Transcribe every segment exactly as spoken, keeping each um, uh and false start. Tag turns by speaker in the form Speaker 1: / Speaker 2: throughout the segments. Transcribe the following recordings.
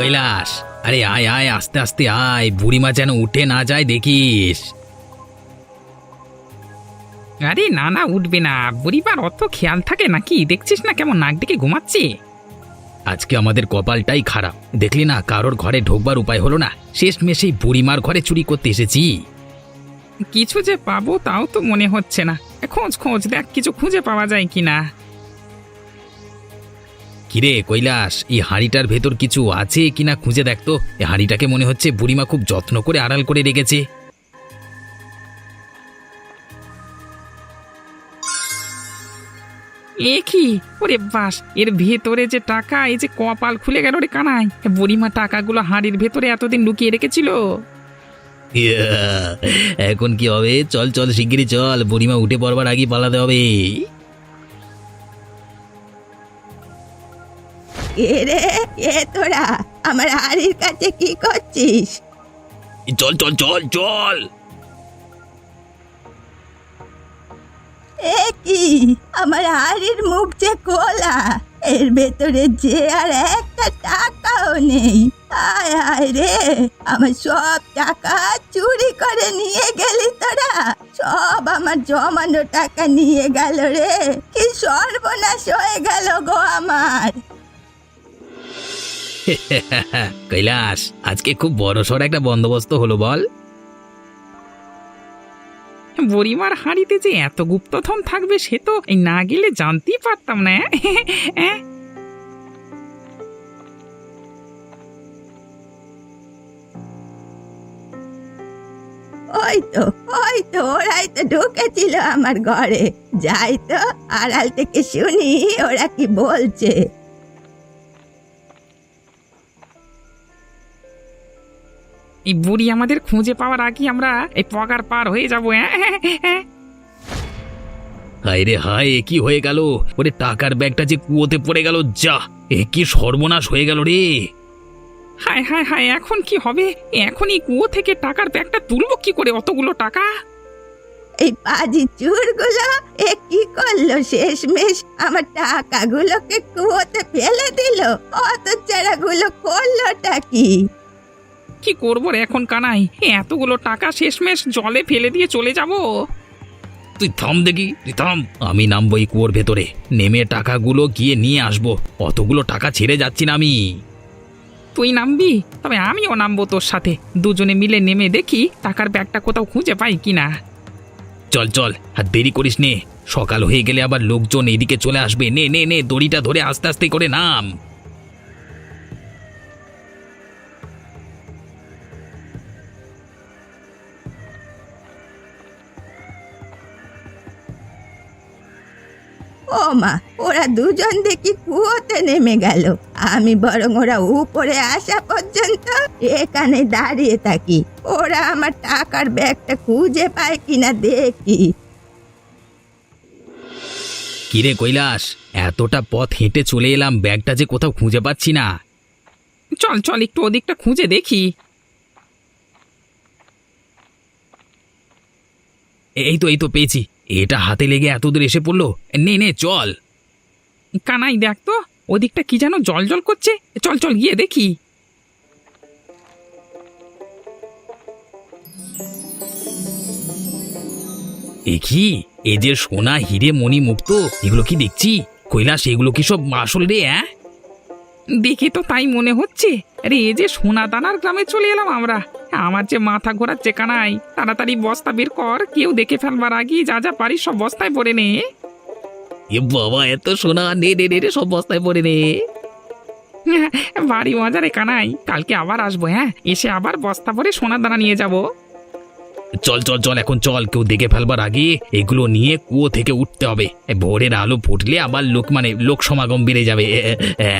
Speaker 1: কৈলাস, আরে আয় আয়, আস্তে আস্তে আয়, বুড়িমা যেন উঠে না যায় দেখিস।
Speaker 2: আরে না না, উঠবে না। বুড়িবার অত খেয়াল থাকে নাকি? দেখছিস না কেমন নাক ডেকে ঘুমাচ্ছে।
Speaker 1: আজকে আমাদের কপালটাই খারাপ, দেখলি না কারোর ঘরে ঢোকবার উপায় হলো না, শেষমেশ এই বুড়িমার ঘরে চুরি করতে এসেছি।
Speaker 2: কিছু যে পাবো তাও তো মনে হচ্ছে না। খোঁজ খোঁজ দেখ, কিছু খুঁজে পাওয়া যায় কিনা।
Speaker 1: কিরে কৈলাস, এই হাঁড়িটার ভেতর কিছু আছে কিনা খুঁজে দেখ তো। এই হাঁড়িটাকে মনে হচ্ছে বুড়িমা খুব যত্ন করে আড়াল করে রেখেছে।
Speaker 2: এ কি? ওরে বাস, এর ভেতরে যে টাকা! এই যে কপাল খুলে গেল রে কানাই। বুড়িমা টাকাগুলো হাঁড়ির ভেতরে এতদিন লুকিয়ে রেখেছিল।
Speaker 1: ইয়া, এখন কি হবে? চল চল শিগগিরই চল, বুড়িমা উঠে পড়বার আগে পালাতে হবে।
Speaker 3: এ রে, এ তোরা আমার হাড়ির কাছে কি করছিস?
Speaker 1: চল চল চল চল।
Speaker 3: এ কি, আমার হাড়ির মুখ যে খোলা, এর ভেতরে যে আর একটা টাকাও নেই। আয় আয় রে, আমার সব টাকা চুরি করে নিয়ে গেলি তোরা। সব আমার জমানো টাকা নিয়ে গেল রে। কি সর্বনাশ হয়ে গেল গো আমার।
Speaker 1: কৈলাস, আজকে খুব বড়সড় একটা বন্দোবস্ত হলো বল।
Speaker 2: বুড়িমার হাঁড়িতে যে এত গুপ্তধন থাকবে সে তো এই না গেলে জানতেই পারতাম না। হ্যাঁ,
Speaker 3: ওই তো ওই তো ওরাই তো ঢুকেছিল আমার ঘরে। যাই তো আড়াল থেকে শুনি ওরা কি বলছে।
Speaker 2: এই বুড়ি আমাদের খুঁজে পাওয়ার আগে আমরা এই পগার পার হয়ে যাবো। হ্যাঁ,
Speaker 1: হায় রে হায়, এ কি হয়ে গেল? ওরে টাকার ব্যাগটা যে কুয়োতে পড়ে গেল। যা, এ কি সর্বনাশ হয়ে গেল রে।
Speaker 2: হায় হায় হায়, এখন কি হবে? এখন এই কুয়ো থেকে টাকার ব্যাগটা তুলবো কি করে? অতগুলো টাকা!
Speaker 3: এই পাজি চুরগুলো এ কি করলো? শেষমেশ আমার টাকাগুলোকে কুয়োতে ফেলে দিল। অত চারাগুলো করলোটা কি?
Speaker 2: কি করবো রে এখন কানাই? এতগুলো টাকা শেষমেশ জলে ফেলে দিয়ে চলে যাব?
Speaker 1: তুই থাম দেখি, তুই থাম। আমি নামবো এই কুয়োর ভেতরে, নেমে টাকাগুলো গিয়ে নিয়ে আসবো। অতগুলো টাকা ছেড়ে যাচ্ছি না আমি।
Speaker 2: তুই নামবি? তবে আমিও নামবো তোর সাথে। দুজনে মিলে নেমে দেখি টাকার ব্যাগটা কোথাও খুঁজে পাই কিনা।
Speaker 1: চল চল, আর দেরি করিস নে, সকাল হয়ে গেলে আবার লোকজন এদিকে চলে আসবে। নে নে নে, দড়িটা ধরে আস্তে আস্তে করে নাম।
Speaker 3: ও মা, ওরা দুজন দেখি কুয়োতে নেমে গেল। আমি বরং ওরা উপরে আসা পর্যন্ত এখানে দাঁড়িয়ে থাকি। ওরা আমার টাকার ব্যাগটা খুঁজে পায় কিনা দেখি।
Speaker 1: কিরে কৈলাস, এতটা পথ হেঁটে চলে এলাম, ব্যাগটা যে কোথাও খুঁজে পাচ্ছি না।
Speaker 2: চল চল, একটু ওদিকটা খুঁজে দেখি।
Speaker 1: এই তো এই তো পেয়েছি। এটা হাতে লেগে এত দূর এসে পড়লো। নে নে চল।
Speaker 2: কানাই দেখ তো, ওদিকটা কি যেন জল জল করছে। চল চল গিয়ে দেখি।
Speaker 1: এ কি? এ যে সোনা হিরে মণি মুক্ত, এগুলো কি দেখছি? কৈলাস, এগুলো কি সব আসল রে? হ্যাঁ,
Speaker 2: দেখে তো তাই মনে হচ্ছে। আরে এ যে সোনা দানার গ্রামে চলে এলাম আমরা। আমার যে মাথা ঘোরাচ্ছে কানাই। তাড়াতাড়ি বস্তা বের কর, কেউ দেখে ফেলবার আগে যা যা পারিস সব বস্তায় ভরে নে।
Speaker 1: এ বাবা, এত সোনা! নে নে নে নে, সব বস্তায় পড়ে নে।
Speaker 2: বাড়ি মজা রে কানাই, কালকে আবার আসবো। হ্যাঁ, এসে আবার বস্তা ভরে সোনা দানা নিয়ে যাব।
Speaker 1: চল চল চল, এখন চল, কেউ দেখে ফেলবার আগে এগুলো নিয়ে কুয়ো থেকে উঠতে হবে। এ ভোরের আলো ফুটলে আবার লোক মানে লোক সমাগম বেড়ে যাবে। এ, এ, এ।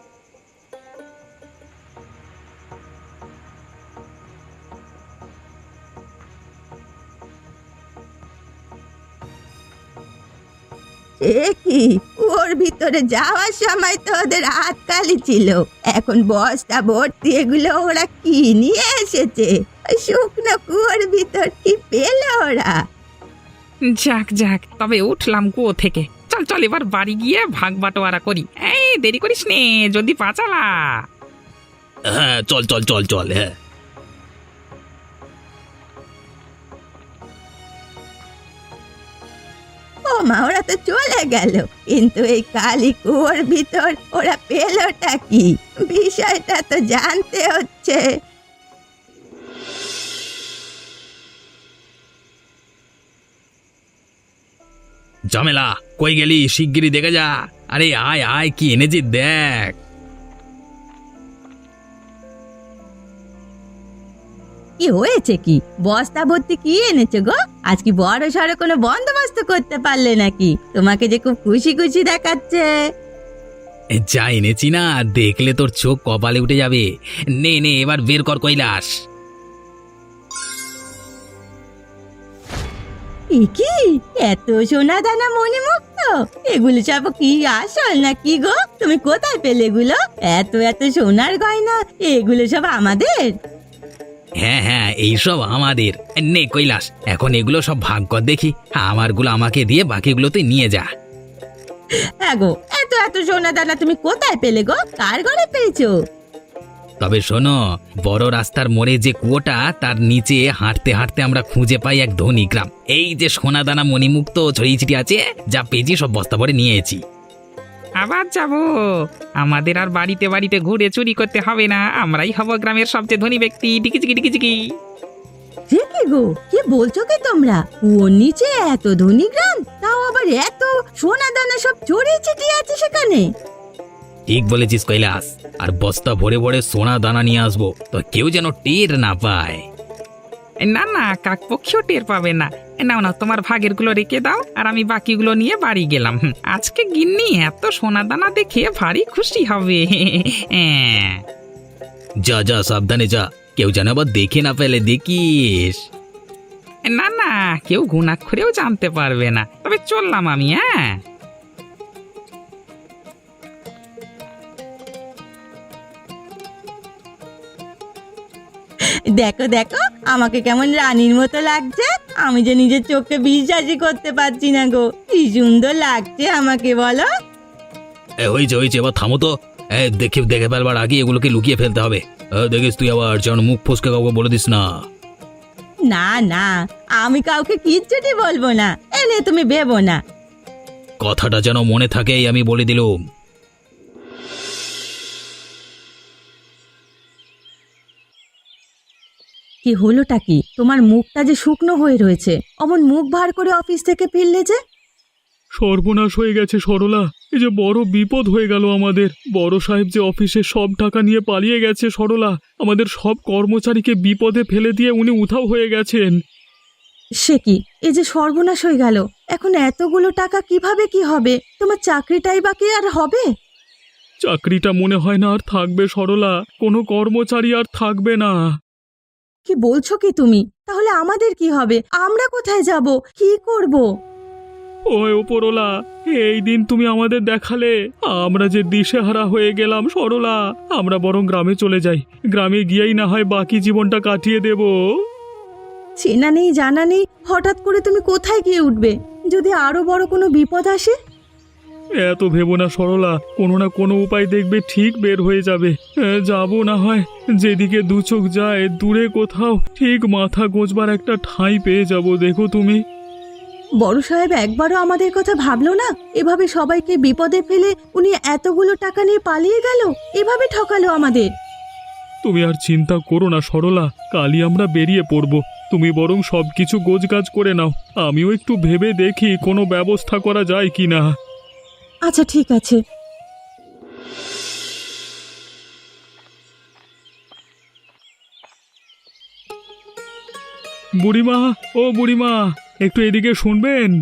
Speaker 3: এ কি, ওর ভিতরে যাওয়ার সময় তো ওদের হাত খালি ছিল। এখন বস্তা ভর্তি এগুলো ওরা কি নিয়ে এসেছে? ওই শুকনো কুয়োর ভিতর কি পেল ওরা?
Speaker 2: যাক যাক, তবে উঠলাম কুয়ো থেকে। চল চল, এবার বাড়ি গিয়ে ভাগ বাটোয়ারা করি। এই দেরি করিস নে, যদি পাচালা।
Speaker 1: হ্যাঁ চল চল চল চল হ্যাঁ।
Speaker 3: ও মা, ওরা তো চলে গেল, কিন্তু এই কালী কুয়োর ভিতর ওরা পেলোটা কি? বিষয়টা তো জানতে হচ্ছে।
Speaker 1: ঝামেলা, কই গেলি? শিগগিরই দেখে যা। আরে আয় আয়, কি এনেছি দেখ।
Speaker 3: কি হয়েছে? কি বস্তা ভর্তি কি এনেছো গো? আজ কি বড় সড়ো কোনো বন্দোবস্ত করতে পারলে নাকি? তোমাকে যে খুব খুশি খুশি দেখাচ্ছে।
Speaker 1: এ, যা এনেছি না, দেখলে তোর চোখ কপালে উঠে যাবে। নে নে, এবার বের কর কৈলাস।
Speaker 3: এ কি এত সোনা দানা মণিমুক্ত? এগুলো সব কি আসল না কি গো? তুমি কোথায় পেলে এগুলো? এত এত সোনার গয়না, এগুলো সব আমাদের?
Speaker 1: হ্যাঁ হ্যাঁ, এইসব আমাদের। নে কৈলাস, এখন এগুলো সব ভাগ কর দেখি। আমারগুলো আমাকে দিয়ে বাকিগুলো তুই নিয়ে যা।
Speaker 3: হ্যাঁ গো, এত এত সোনা দানা তুমি কোথায় পেলে গো? কার ঘরে পেয়েছো?
Speaker 1: তবে শোনো, বড় রাস্তার মোড়ে যে কুয়োটা, তার নিচে হাঁটতে হাঁটতে আমরা খুঁজে পাই এক ধনী গ্রাম। এই যে সোনাদানা মণিমুক্ত ছড়িয়ে ছিটিয়ে আছে, যা পেয়েছি সব বস্তা ভরে নিয়েছি।
Speaker 2: আবার যাব? আমাদের আর বাড়িতে বাড়িতে ঘুরে চুরি করতে হবে না, আমরাই হব গ্রামের সবচেয়ে ধনী ব্যক্তি। টিকি চিকি টিকি চিকি।
Speaker 3: সে কি গো, কি বলছো কি তোমরা? কুয়োর নিচে এত ধনী গ্রাম, তাও আবার এত সোনা দানা সব ছড়িয়ে ছিটিয়ে আছে সেখানে?
Speaker 1: ঠিক বলেছিস কৈলাস, আর বস্তা ভরে ভরে সোনা দানা নিয়ে আসবো, তো কেউ যেন টের না পায়।
Speaker 2: না না, কাকপক্ষীও টের পাবে না। নাও না, তোমার ভাগের গুলো রেখে দাও, আর আমি বাকিগুলো নিয়ে বাড়ি গেলাম। হুম, আজকে গিন্নি এত সোনা দানা দেখে ভারী খুশি হবে। হ্যাঁ।
Speaker 1: যা যা, সাবধানে যা, কেউ যেন আবার দেখে না ফেলে, দেখিস।
Speaker 2: না না, কেউ ঘুণাক্ষরেও জানতে পারবে না। তবে চললাম আমি। হ্যাঁ।
Speaker 3: দেখো দেখো, আমাকে কেমন রানীর মতো লাগছে। আমি যে নিজের চোখে বিশ্বাসই করতে পারছি না গো, কি সুন্দর লাগছে আমাকে, বলো।
Speaker 1: এ, হয়েছে হয়েছে, এবার থামো তো। এ, দেখে দেখে ফেলবার আগে এগুলোকে লুকিয়ে ফেলতে হবে। এ, দেখিস তুই আবার যেন মুখ ফসকে কাউকে বলে দিস না।
Speaker 3: না না, আমি কাউকে কিচ্ছুটি বলবো না, এনে তুমি ভেবো না।
Speaker 1: কথাটা যেন মনে থাকে, এই আমি বলে দিলুম।
Speaker 3: কি হলোটা কি? তোমার মুখটা যে শুকনো হয়ে রয়েছে, অমন মুখ ভার করে অফিস থেকে ফিরলে যে?
Speaker 4: সর্বনাশ হয়ে গেছে সরলা, এই যে বড় বিপদ হয়ে গেল আমাদের। বড় সাহেব যে অফিসে সব টাকা নিয়ে পালিয়ে গেছে সরলা, আমাদের সব কর্মচারীকে বিপদে ফেলে দিয়ে উনি উধাও হয়ে গেছেন।
Speaker 3: সে কি, এই যে সর্বনাশ হয়ে গেল! এখন এতগুলো টাকা কিভাবে কি হবে? তোমার চাকরিটাই বাকি আর হবে?
Speaker 4: চাকরিটা মনে হয় না আর থাকবে সরলা, কোনো কর্মচারী আর থাকবে না।
Speaker 3: কি বলছো কি তুমি? তাহলে আমাদের কি হবে? আমরা কোথায় যাব? কি করব?
Speaker 4: ওই ওপরওয়ালা, এই দিন তুমি আমাদের দেখালে, আমরা যে দিশেহারা হয়ে গেলাম সরলা। আমরা বরং গ্রামে চলে যাই, গ্রামে গিয়েই না হয় বাকি জীবনটা কাটিয়ে দেব।
Speaker 3: চেনা নেই জানা নেই, হঠাৎ করে তুমি কোথায় গিয়ে উঠবে? যদি আরো বড় কোনো বিপদ আসে?
Speaker 4: এত ভেবো না সরলা, কোনো না কোনো উপায় দেখবে ঠিক বের হয়ে যাবে। এ, যাবো না হয় যেদিকে দু চোখ যায়, দূরে কোথাও ঠিক মাথা গোঁজবার একটা ঠাঁই পেয়ে যাব, দেখো তুমি।
Speaker 3: বড় সাহেব একবারও আমাদের কথা ভাবলো না? এভাবে সবাইকে বিপদে ফেলে উনি এতগুলো টাকা নিয়ে পালিয়ে গেল, এভাবে ঠকালো আমাদের।
Speaker 4: তুমি আর চিন্তা করো না সরলা, কালই আমরা বেরিয়ে পড়ব। তুমি বরং সবকিছু গোছগাছ করে নাও, আমিও একটু ভেবে দেখি কোনো ব্যবস্থা করা যায় কিনা।
Speaker 3: আচ্ছা ঠিক আছে।
Speaker 4: বুড়িমা, ও বুড়িমা, একটু এদিকে শুনবেন।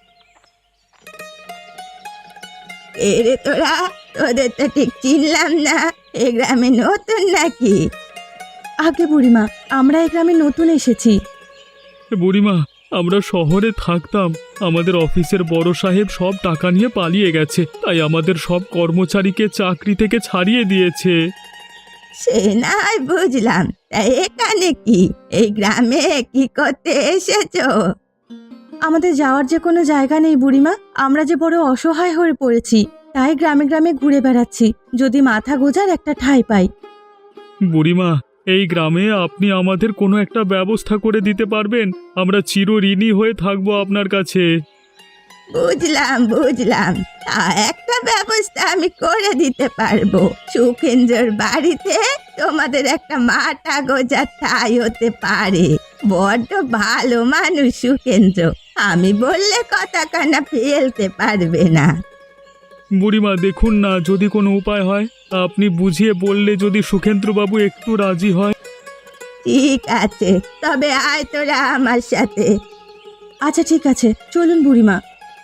Speaker 3: এরে তোরা, তোদের তো ঠিক চিনলাম না। এই গ্রামে নতুন নাকি? আগে বুড়িমা, আমরা এই গ্রামে নতুন এসেছি।
Speaker 4: বুড়িমা, আমরা শহরে থাকতাম, আমাদের অফিসের বড় সাহেব সব টাকা নিয়ে পালিয়ে গেছে, তাই আমাদের সব কর্মচারীকে চাকরি থেকে ছাড়িয়ে দিয়েছে।
Speaker 3: সে নাই বুঝলাম, তা এখানে কি, এই গ্রামে কি করতে এসেছো? আমাদের যাওয়ার যে কোনো জায়গা নেই বুড়িমা, আমরা যে বড় অসহায় হয়ে পড়েছি, তাই গ্রামে গ্রামে ঘুরে বেড়াচ্ছি, যদি মাথা গোজার একটা ঠাঁই পাই।
Speaker 4: বুড়িমা, এই গ্রামে আপনি আমাদের কোনো একটা ব্যবস্থা করে দিতে পারবেন? আমরা চিরঋণী হয়ে থাকবো আপনার কাছে।
Speaker 3: বুঝলাম বুঝলাম তা একটা ব্যবস্থা আমি করে দিতে পারবো। সুখেন্দ্রর বাড়িতে তোমাদের একটা মাথা গোজা ঠাঁই হতে পারে। বড্ড ভালো মানুষ সুখেন্দ্র, আমি বললে কথা কানা ফেলতে পারবে না।
Speaker 4: বুড়িমা দেখুন না, যদি কোনো উপায় হয় আপনি বুঝিয়ে বললে যদি সুখেন্দ্রবাবু একটু রাজি হয়।
Speaker 3: ঠিক আছে, তবে আয় তোরা আমার সাথে। আচ্ছা ঠিক আছে, চলুন বুড়িমা।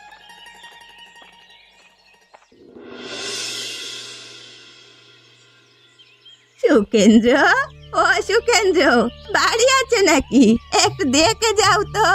Speaker 3: সুখেন্দ্র, ও সুখেন্দ্র, বাড়ি আছে নাকি? একটু দেখে যাও তো।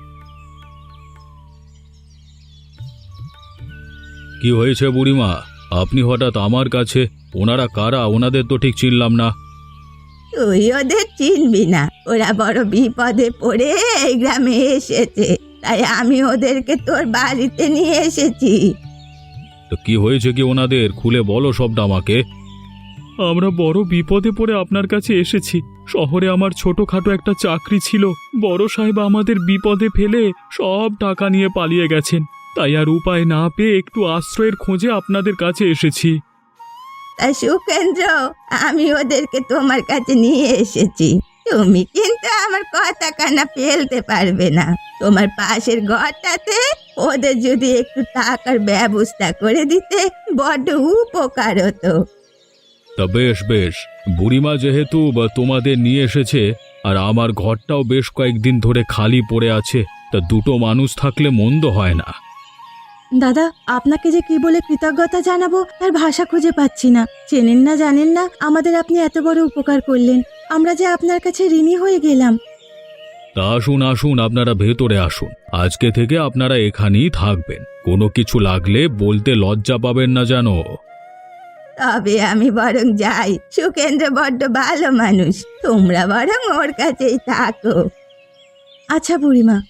Speaker 4: কি হয়েছে বুড়িমা? আপনি হঠাৎ আমার কাছে? ওনারা কারা? ওনাদের তো ঠিক চিনলাম না।
Speaker 3: তুই ওদের চিনবি না, ওরা বড় বিপদে পড়ে এই গ্রামে এসেছে, তাই আমি ওদেরকে তোর বাড়িতে নিয়ে এসেছি।
Speaker 4: তো কি হয়েছে কি ওনাদের? খুলে বলো সবটা আমাকে। আমরা বড় বিপদে পড়ে আপনার কাছে এসেছি। শহরে আমার ছোটখাটো একটা চাকরি ছিল, বড় সাহেব আমাদের বিপদে ফেলে সব টাকা নিয়ে পালিয়ে গেছেন। তাই আর উপায় না পেয়ে একটু আশ্রয়ের খোঁজে আপনাদের কাছে এসেছি।
Speaker 3: তাই সুখেন্দ্র, আমি ওদেরকে তোমার কাছে নিয়ে এসেছি। তুমি কিন্তু আমার কথা কানা ফেলতে পারবে না। তোমার পাশের ঘরটাতে ওদের যদি একটু টাকার ব্যবস্থা করে দিতে বড্ড উপকার হতো।
Speaker 4: তা বেশ বেশ, বুড়িমা যেহেতু বা তোমাদের নিয়ে এসেছে, আর আমার ঘরটাও বেশ কয়েকদিন ধরে খালি পড়ে আছে, তা দুটো মানুষ থাকলে মন্দ হয় না।
Speaker 3: দাদা, আপনাকে যে কি বলে কৃতজ্ঞতা জানাবো তার ভাষা খুঁজে পাচ্ছি না। চেনেন না জানেন না, আমাদের আপনি এত বড় উপকার করলেন, আমরা যে আপনার কাছে ঋণী হয়ে গেলাম।
Speaker 4: তা আসুন আসুন, আপনারা ভেতরে আসুন। আজকে থেকে আপনারা এখানেই থাকবেন। কোনো কিছু লাগলে বলতে লজ্জা পাবেন না জানো।
Speaker 3: তবে আমি বরং যাই, সুখেন্দ্র বড্ড ভালো মানুষ, তোমরা বরং ওর কাছেই থাকো। আচ্ছা বুড়িমা।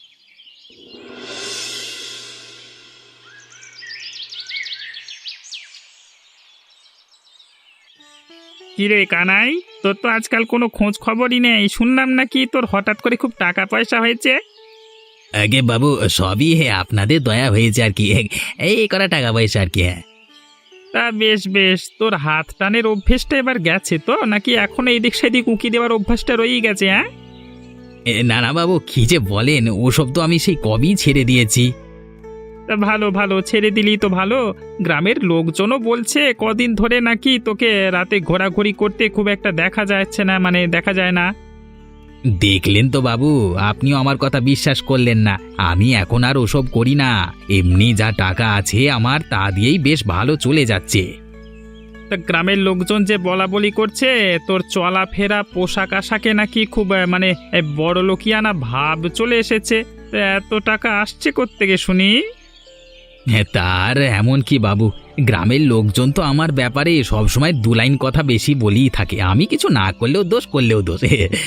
Speaker 2: কিরে কানাই, তোর তো আজকাল কোনো খোঁজ খবরই নেই। শুনলাম নাকি তোর হঠাৎ করে খুব টাকা পয়সা হয়েছে।
Speaker 1: আগে বাবু, সবই হে আপনাদের দয়া হয়েছে আর কি। এই করা টাকা পয়সা আর কি। হ্যাঁ,
Speaker 2: তা বেশ বেশ, তোর হাত টানের অভ্যেসটা এবার গেছে তো, নাকি এখন এই দিক সেদিক উঁকি দেওয়ার অভ্যাসটা রয়েই গেছে? হ্যাঁ,
Speaker 1: এ, না না বাবু, কি যে বলেন, ওসব তো আমি সেই কবেই ছেড়ে দিয়েছি।
Speaker 2: তা ভালো ভালো, ছেড়ে দিলি তো ভালো। গ্রামের লোকজনও বলছে কদিন ধরে নাকি তোকে রাতে ঘোরাঘুরি করতে খুব একটা দেখা যাচ্ছে না, মানে দেখা যায় না।
Speaker 1: দেখলেন তো বাবু, আপনিও আমার কথা বিশ্বাস করলেন না। আমি এখন আর ওসব করি না। এমনি যা টাকা আছে আমার, তা দিয়েই বেশ ভালো চলে যাচ্ছে।
Speaker 2: তা গ্রামের লোকজন যে বলা বলি করছে তোর চলাফেরা পোশাক আশাকে নাকি খুব আহ, মানে বড় লোকিয়ানা ভাব চলে এসেছে। তা এত টাকা আসছে কোত্থেকে শুনি?
Speaker 1: হ্যাঁ, তার এমন কি বাবু, গ্রামের লোকজন তো আমার ব্যাপারে সবসময় দু লাইন কথা বেশি বলেই থাকে। আমি কিছু না করলেও দোষ, করলেও দোষ।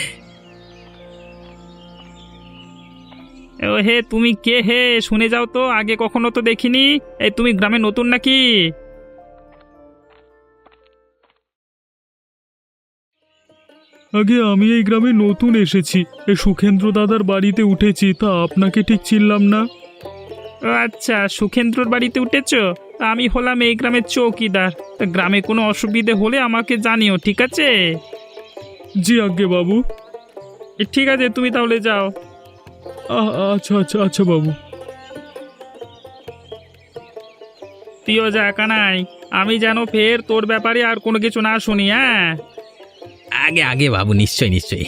Speaker 2: ও হে, তুমি কে হে? শুনে যাও তো, আগে কখনো তো দেখিনি। এই তুমি গ্রামে নতুন নাকি?
Speaker 4: আগে আমি এই গ্রামে নতুন এসেছি, এ সুখেন্দ্র দাদার বাড়িতে উঠেছি, তা আপনাকে ঠিক চিনলাম না।
Speaker 2: ও আচ্ছা, সুখেন্দ্রর বাড়িতে উঠেছো? তা আমি হলাম এই গ্রামের চৌকিদার। তা গ্রামে কোনো অসুবিধে হলে আমাকে জানিও, ঠিক আছে?
Speaker 4: জি আজ্ঞে বাবু।
Speaker 2: এ, ঠিক আছে, তুমি তাহলে যাও।
Speaker 4: আ- আচ্ছা আচ্ছা আচ্ছা বাবু।
Speaker 2: তুইও যা কানাই, আমি যেন ফের তোর ব্যাপারে আর কোনো কিছু না শুনি। হ্যাঁ,
Speaker 1: আগে আগে বাবু, নিশ্চয় নিশ্চয়।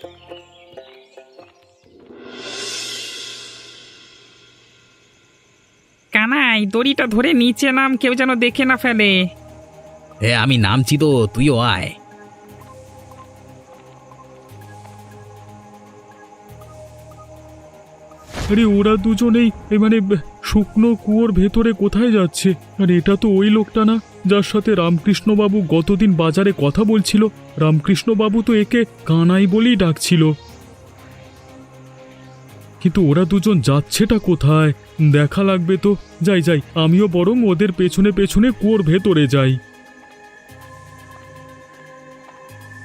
Speaker 2: কানাই, দড়িটা ধরে নিচে নাম, কেউ যেন দেখে না ফেলে।
Speaker 1: হ্যাঁ, আমি নামছি তো, তুইও আয়।
Speaker 4: আরে ওরা দুজনেই এ মানে ব- শুকনো কুয়োর ভেতরে কোথায় যাচ্ছে? আর এটা তো ওই লোকটা না যার সাথে রামকৃষ্ণবাবু গতদিন বাজারে কথা বলছিল। রামকৃষ্ণবাবু তো একে কানাই বলেই ডাকছিল। কিন্তু ওরা দুজন যাচ্ছেটা কোথায়? দেখা লাগবে তো। যাই যাই, আমিও বরং ওদের পেছনে পেছনে কুয়োর ভেতরে যাই।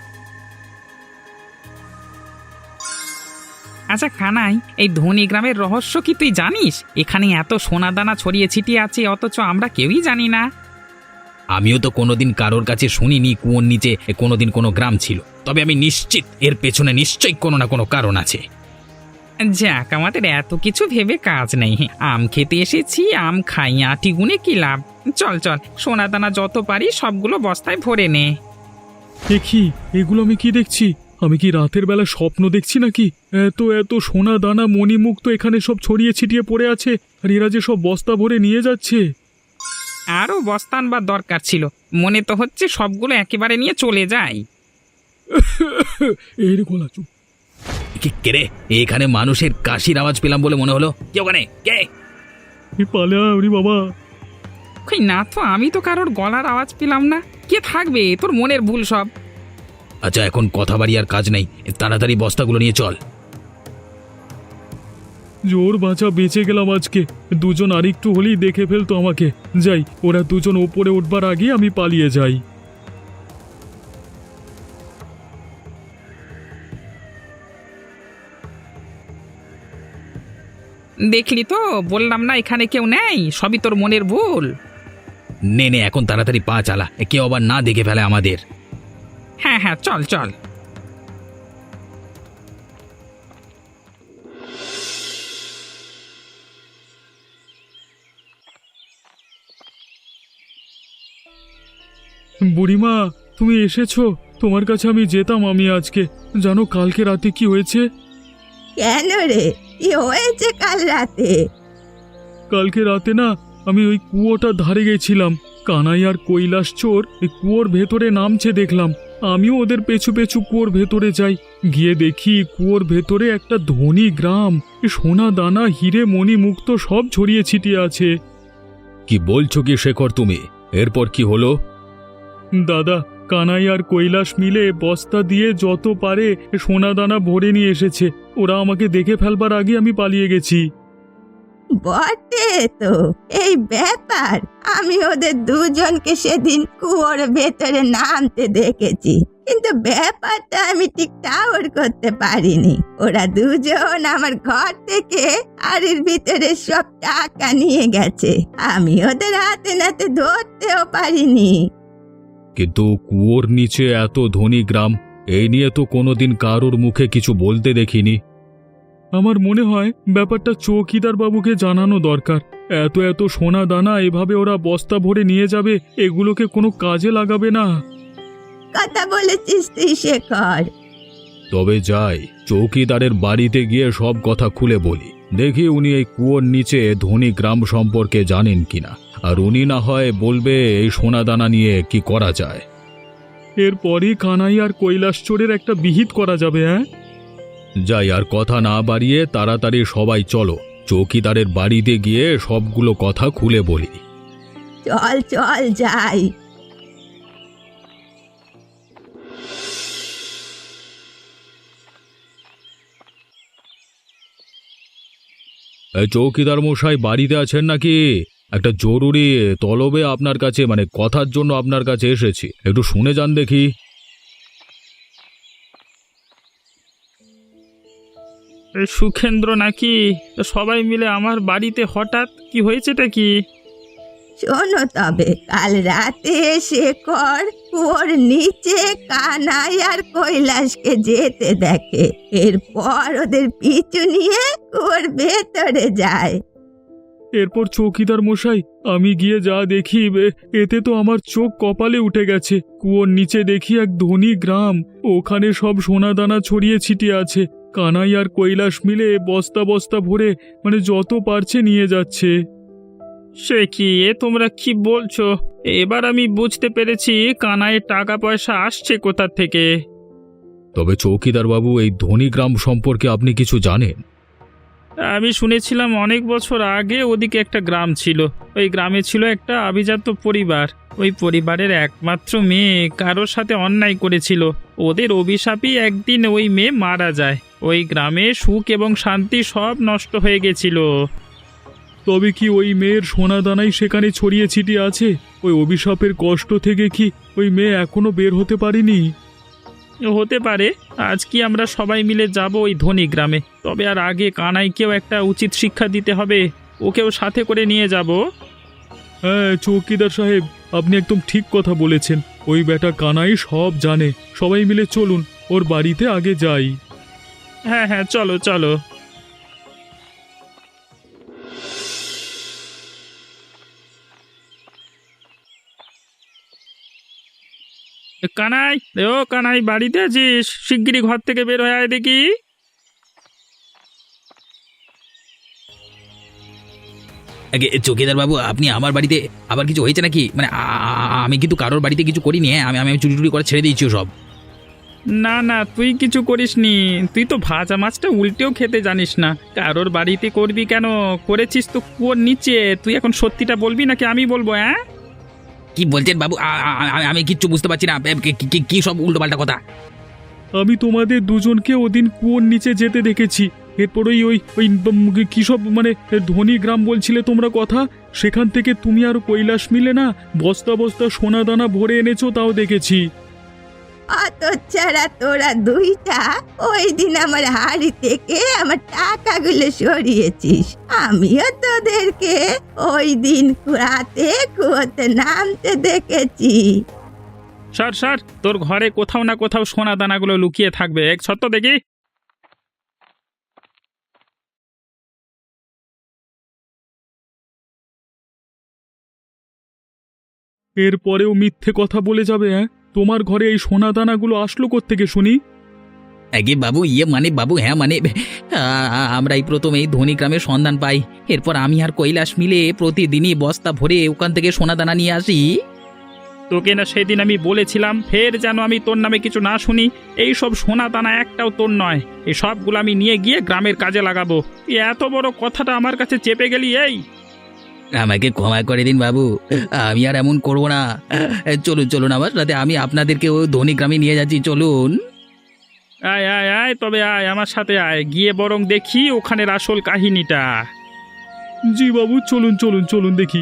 Speaker 2: আচ্ছা কানাই, এই ধনী গ্রামের রহস্য কি তুই জানিস? এখানে এত সোনা দানা ছড়িয়ে ছিটিয়ে আছে অথচ আমরা কেউই জানি না।
Speaker 1: আমিও তো কোনোদিন কারোর কাছে শুনিনি কুয়োর নিচে কোনোদিন কোনো গ্রাম ছিল, তবে আমি নিশ্চিত এর পেছনে নিশ্চয়ই কোনো না কোনো কারণ আছে।
Speaker 2: যাক, আমাদের এত কিছু ভেবে কাজ নেই। আম খেতে এসেছি, আম খাই, আটি গুনে কি লাভ? চল চল, সোনা দানা যত পারি সবগুলো বস্তায় ভরে নে।
Speaker 4: দেখি এগুলো আমি কি দেখছি? আমি কি রাতের বেলা স্বপ্ন দেখছি নাকি? এত এত সোনা দানা মণিমুক্ত এখানে সব ছড়িয়ে ছিটিয়ে পড়ে আছে, আর এরা যে সব বস্তা ভরে নিয়ে যাচ্ছে।
Speaker 2: আরও বস্তা আনবার দরকার ছিল, মনে তো হচ্ছে সবগুলো একেবারে নিয়ে চলে যাই।
Speaker 4: এই রে গোলা চুপ।
Speaker 1: কে কে রে? এখানে মানুষের কাশির আওয়াজ পেলাম বলে মনে হলো। কে ওখানে? কে?
Speaker 4: এই পালে আয় বাবা।
Speaker 2: কই না তো, আমি তো কারোর গলার আওয়াজ পেলাম না। কে থাকবে? তোর মনের ভুল সব।
Speaker 1: আচ্ছা, এখন কথা বাড়ি আর কাজ নেই, তাড়াতাড়ি বস্তাগুলো নিয়ে চল।
Speaker 4: জোর বাঁচা বেঁচে গেলাম আজকে। দুজন আরেকটু হলেই দেখে ফেলতো আমাকে। যাই, ওরা দুজন ওপরে উঠবার আগে আমি পালিয়ে যাই।
Speaker 2: দেখলি তো, বললাম না এখানে কেউ নেই, সবই তোর মনের ভুল।
Speaker 1: নে নে, এখন তাড়াতাড়ি পা চালা, কেউ আবার না দেখে ফেলে আমাদের।
Speaker 2: হ্যাঁ হ্যাঁ, চল চল।
Speaker 4: বুড়িমা, তুমি এসেছো? তোমার কাছে আমি যেতাম আমি আজকে। জানো কালকে রাতে কি হয়েছে?
Speaker 3: কেন রে, কি হয়েছে কাল রাতে?
Speaker 4: কালকে রাতে না, আমি ওই কুয়োটার ধারে গেছিলাম। কানাই আর কৈলাস চোর এই কুয়োর ভেতরে নামছে দেখলাম। আমিও ওদের পেছু পেছু কুয়োর ভেতরে যাই। গিয়ে দেখি কুয়োর ভেতরে একটা ধনী গ্রাম, সোনা দানা হিরে মণি মুক্ত সব ছড়িয়ে ছিটিয়ে আছে।
Speaker 1: কি বলছো কি শেখর তুমি? এরপর কি হলো?
Speaker 4: দাদা, কানাই আর কৈলাস মিলে বস্তা দিয়ে যত পারে সোনা দানা ভরে নিয়ে এসেছে। ওরা আমাকে দেখে ফেলবার আগে আমি পালিয়ে গেছি।
Speaker 3: বটে তো, এই ব্যাপার। আমি ওদের দুজনকে সেদিন কুয়োর ভেতরে নামতে দেখেছি, কিন্তু ব্যাপারটা আমি ঠিক টাওয়ার করতে পারিনি। ওরা দুজন আমার ঘর থেকে আড়ির ভিতরে সব টাকা নিয়ে গেছে, আমি ওদের হাতে নাতে ধরতেও পারিনি।
Speaker 1: কিন্তু কুয়োর নিচে এত ধনী গ্রাম, এই নিয়ে তো কোনোদিন কারোর মুখে কিছু বলতে দেখিনি।
Speaker 4: আমার মনে হয় ব্যাপারটা চৌকিদার বাবুকে জানানো দরকার। এত এত সোনা দানা এভাবে ওরা বস্তা ভরে নিয়ে যাবে, এগুলোকে কোনো কাজে লাগাবে না।
Speaker 3: কথা বলেছিস তুই শেখর।
Speaker 1: তবে যাই, চৌকিদারের বাড়িতে গিয়ে সব কথা খুলে বলি। দেখি উনি এই কুয়োর নিচে ধনী গ্রাম সম্পর্কে জানেন কিনা, আর উনি না হয় বলবে এই সোনা দানা নিয়ে কি করা যায়।
Speaker 4: এরপরই কানাই আর কৈলাস চোরের একটা বিহিত করা যাবে। হ্যাঁ,
Speaker 1: যাই, আর কথা না বাড়িয়ে তাড়াতাড়ি সবাই চলো, চৌকিদারের বাড়িতে গিয়ে সবগুলো কথা খুলে বলি।
Speaker 3: চল চল যাই।
Speaker 1: এই চৌকিদার মশাই বাড়িতে আছেন নাকি? একটা জরুরি তলবে আপনার কাছে, মানে কথার জন্য আপনার কাছে এসেছি, একটু শুনে যান দেখি।
Speaker 2: সুখেন্দ্র নাকি? সবাই মিলে আমার বাড়িতে হঠাৎ কি হয়েছেটা কি?
Speaker 3: শোনো তবে, কাল রাতে শেখর ওর নিচে কানাই আর কৈলাসকে যেতে দেখে, এরপর ওদের পিছু নিয়ে ওর ভেতরে যায়।
Speaker 4: এরপর চৌকিদার মশাই, আমি গিয়ে যা দেখি, বে, এতে তো আমার চোখ কপালে উঠে গেছে। কুয়োর নিচে দেখি এক ধনী গ্রাম, ওখানে সব সোনা দানা ছড়িয়ে ছিটিয়ে আছে। কানাই আর কৈলাস মিলে বস্তা বস্তা ভরে, মানে যত পারছে নিয়ে যাচ্ছে।
Speaker 2: সে কি, এ তোমরা কি বলছো? এবার আমি বুঝতে পেরেছি কানাইয়ের টাকা পয়সা আসছে কোথা থেকে।
Speaker 1: তবে চৌকিদার বাবু, এই ধনী গ্রাম সম্পর্কে আপনি কিছু জানেন?
Speaker 2: আমি শুনেছিলাম অনেক বছর আগে ওদিকে একটা গ্রাম ছিল। ওই গ্রামে ছিল একটা আভিজাত্য পরিবার। ওই পরিবারের একমাত্র মেয়ে কারোর সাথে অন্যায় করেছিল। ওদের অভিশাপই একদিন ওই মেয়ে মারা যায়। ওই গ্রামে সুখ এবং শান্তি সব নষ্ট হয়ে গেছিল।
Speaker 4: তবে কি ওই মেয়ের সোনা দানাই সেখানে ছড়িয়ে ছিটিয়ে আছে? ওই অভিশাপের কষ্ট থেকে কি ওই মেয়ে এখনো বের হতে পারেনি? হতে পারে। আজ কি আমরা সবাই মিলে যাব ওই ধনী গ্রামে, তবে আর আগে কানাইকেও একটা উচিত শিক্ষা দিতে হবে, ওকেও সাথে করে নিয়ে যাব। হ্যাঁ চৌকিদার সাহেব, আপনি একদম ঠিক কথা বলেছেন। ওই বেটা কানাই সব জানে। সবাই মিলে চলুন, ওর বাড়িতে আগে যাই। হ্যাঁ হ্যাঁ চলো চলো। কানাই, ও কানাই, বাড়িতে আছিস? শিগগিরই ঘর থেকে বের হয়ে আয় দেখি।
Speaker 1: আগে চৌকিদার বাবু, আপনি আমার বাড়িতে আবার কিছু হয়েছে নাকি? মানে আ- আ- আমি কিন্তু কারোর বাড়িতে কিছু করিনি। হ্যাঁ, আমি আমি চুরি টুরি করে ছেড়ে দিয়েছি সব।
Speaker 4: না না, তুই কিছু করিসনি। তুই তো ভাজা মাছটা উল্টেও খেতে জানিস না। কারোর বাড়িতে করবি কেন? করেছিস তো কুয়োর নিচে। তুই এখন সত্যিটা বলবি নাকি আমি বলবো? হ্যাঁ,
Speaker 1: কি বলছেন বাবু? আ- আ- আ- আমি কিচ্ছু বুঝতে পারছি না। কি- কি- কি সব উল্টো পাল্টা কথা?
Speaker 4: আমি তোমাদের দুজনকে ওদিন কুয়োর নিচে যেতে দেখেছি। এরপর ওই ওই ওই উম, কি সব মানে ধনী গ্রাম বলছিলে তোমরা কথা, সেখান থেকে তুমি আর কৈলাস মিলে না বস্তা বস্তা সোনা দানা ভরে এনেছো, তাও দেখেছি।
Speaker 3: অত ছাড়া তোরা দুইটা ওই দিন আমার হাড়ি থেকে আমার টাকাগুলো সরিয়েছিস। আমিও তোদেরকে ওই দিন রাতে কুয়োতে নামতে দেখেছি।
Speaker 4: স্যার স্যার, তোর ঘরে কোথাও না কোথাও সোনা দানাগুলো লুকিয়ে থাকবে। এক সত্য দেখি। এরপরেও মিথ্যে কথা বলে যাবে? হ্যাঁ, তোমার ঘরে এই সোনা দানাগুলো আসলো কোত্থেকে শুনি?
Speaker 1: আগে বাবু, ইয়ে মানে বাবু, হ্যাঁ মানে আ- আ- আমরা এই প্রথম এই ধনী গ্রামের সন্ধান পাই। এরপর আমি আর কৈলাস মিলে প্রতিদিনই বস্তা ভরে ওখান থেকে সোনা দানা নিয়ে আসি।
Speaker 4: তোকে না সেদিন আমি বলেছিলাম, ফের যেন আমি তোর নামে কিছু না শুনি। এই সব সোনা দানা একটাও তোর নয়। এই সবগুলো আমি নিয়ে গিয়ে গ্রামের কাজে লাগাবো। এই এত বড় কথাটা আমার কাছে চেপে গেলি? এই
Speaker 1: আমাকে ক্ষমা করে দিন বাবু, আমি আর এমন করব না। চলুন চলুন আমার সাথে, আমি আপনাদেরকে ওই ধনী গ্রামে নিয়ে যাচ্ছি, চলুন।
Speaker 4: আয় আয় আয়, তবে আয় আমার সাথে আয়, গিয়ে বরং দেখি ওখানের আসল কাহিনীটা। জি বাবু, চলুন চলুন চলুন দেখি।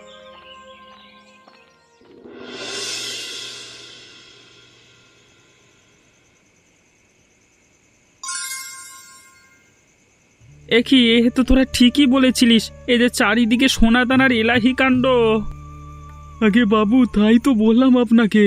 Speaker 4: একই, এ তো তোরা ঠিকই বলেছিলিস। এই যে চারিদিকে সোনা দানার এলাহি কাণ্ড। আগে বাবু, তাই তো বললাম আপনাকে।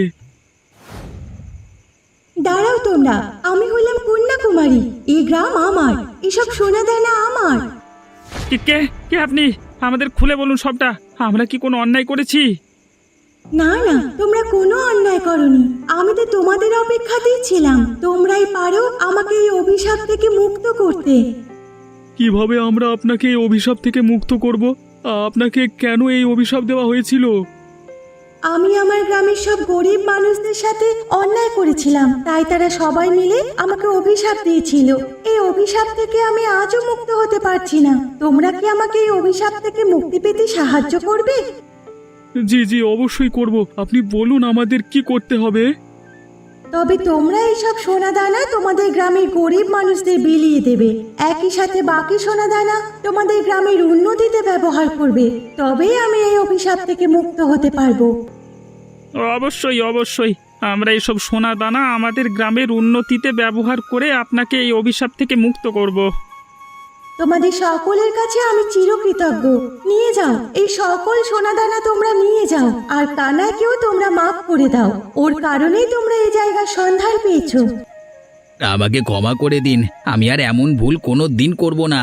Speaker 3: দাঁড়াও তোমরা, আমি হলাম কন্যাকুমারী। এই গ্রাম আমার, এসব সোনা দানা আমার।
Speaker 4: কে কে কে আপনি? আমাদের খুলে বলুন সবটা। আমরা কি কোনো অন্যায় করেছি?
Speaker 3: না না, তোমরা কোনো অন্যায় করনি। আমি তো তোমাদের অপেক্ষাতেই ছিলাম। তোমরাই পারো আমাকে এই অভিশাপ থেকে মুক্ত করতে।
Speaker 4: কিভাবে আমরা আপনাকে এই অভিশাপ থেকে মুক্ত করব? আপনাকে কেন এই অভিশাপ দেওয়া হয়েছিল?
Speaker 3: আমি আমার গ্রামের সব গরিব মানুষদের সাথে অন্যায় করেছিলাম, তাই তারা সবাই মিলে আমাকে অভিশাপ দিয়েছিল। এই অভিশাপ থেকে আমি আজও মুক্ত হতে পারছি না। তোমরা কি আমাকে এই অভিশাপ থেকে মুক্তি পেতে সাহায্য করবে?
Speaker 4: জি জি, অবশ্যই করব। আপনি বলুন আমাদের কি করতে হবে।
Speaker 3: তবে তোমরা এইসব সোনা দানা তোমাদের গ্রামের গরিব মানুষদের বিলিয়ে দেবে। একই সাথে বাকি সোনা দানা তোমাদের গ্রামের উন্নতিতে ব্যবহার করবে। তবেই আমি এই অভিশাপ থেকে মুক্ত হতে পারবো।
Speaker 4: অবশ্যই অবশ্যই, আমরা এইসব সোনা দানা আমাদের গ্রামের উন্নতিতে ব্যবহার করে আপনাকে এই অভিশাপ থেকে মুক্ত করব।
Speaker 3: তোমাদের সকলের কাছে আমি চিরকৃতজ্ঞ। নিয়ে যাও, এই সকল সোনা দানা তোমরা নিয়ে যাও। আর কানাকেও তোমরা মাফ করে দাও। ওর কারণেই তোমরা এই জায়গার সন্ধান পেয়েছো।
Speaker 1: আমাকে ক্ষমা করে দিন, আমি আর এমন ভুল কোনো দিন করব না।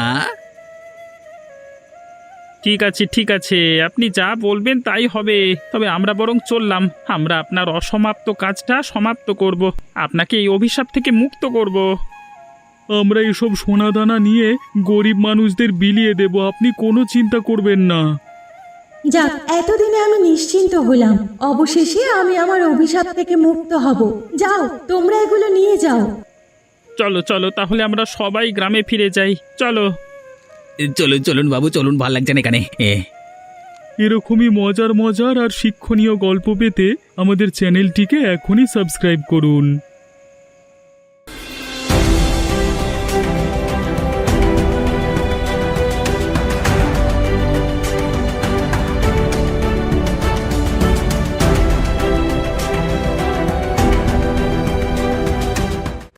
Speaker 4: ঠিক আছে ঠিক আছে, আপনি যা বলবেন তাই হবে। তবে আমরা বরং চললাম। আমরা আপনার অসমাপ্ত কাজটা সমাপ্ত করব, আপনাকে এই অভিশাপ থেকে মুক্ত করব। আমরা এসব সোনা দানা নিয়ে গরিব মানুষদের বিলিয়ে দেব, আপনি কোনো চিন্তা করবেন না।
Speaker 3: যাক, এতদিনে আমি নিশ্চিন্ত হলাম। অবশেষে আমি আমার অভিশাপ থেকে মুক্ত হব। যাও, তোমরা এগুলো নিয়ে যাও।
Speaker 4: চলো চলো, তাহলে আমরা সবাই গ্রামে ফিরে যাই। চলো।
Speaker 1: চলুন চলুন বাবু, চলুন, ভাল লাগছে না এখানে। এ
Speaker 4: এরকমই মজার মজার আর শিক্ষণীয় গল্প পেতে আমাদের চ্যানেলটিকে এখনই সাবস্ক্রাইব করুন।